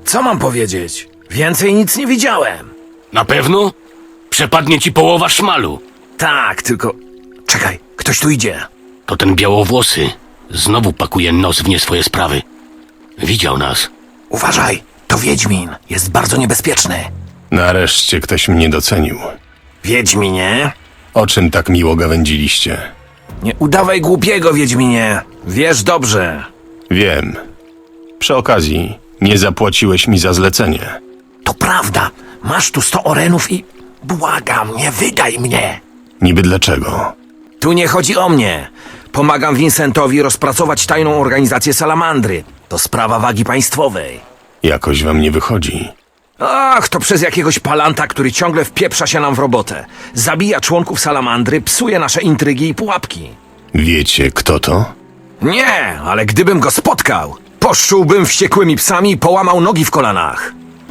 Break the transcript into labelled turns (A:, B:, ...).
A: Co mam powiedzieć? Więcej nic nie widziałem.
B: Na pewno? Przepadnie ci połowa szmalu.
A: Tak, tylko... Czekaj, ktoś tu idzie.
B: To ten białowłosy. Znowu pakuje nos w nie swoje sprawy. Widział nas.
A: Uważaj, to Wiedźmin. Jest bardzo niebezpieczny.
C: Nareszcie ktoś mnie docenił.
A: Wiedźminie?
C: O czym tak miło gawędziliście?
A: Nie udawaj głupiego, Wiedźminie. Wiesz dobrze.
C: Wiem. Przy okazji, nie zapłaciłeś mi za zlecenie.
A: To prawda. Masz tu 100 orenów i... Błagam, nie wydaj mnie.
C: Niby dlaczego?
A: Tu nie chodzi o mnie. Pomagam Vincentowi rozpracować tajną organizację Salamandry. To sprawa wagi państwowej.
C: Jakoś wam nie wychodzi.
A: Ach, to przez jakiegoś palanta, który ciągle wpieprza się nam w robotę. Zabija członków Salamandry, psuje nasze intrygi i pułapki.
C: Wiecie, kto to?
A: Nie, ale gdybym go spotkał, poszczułbym wściekłymi psami i połamał nogi w kolanach.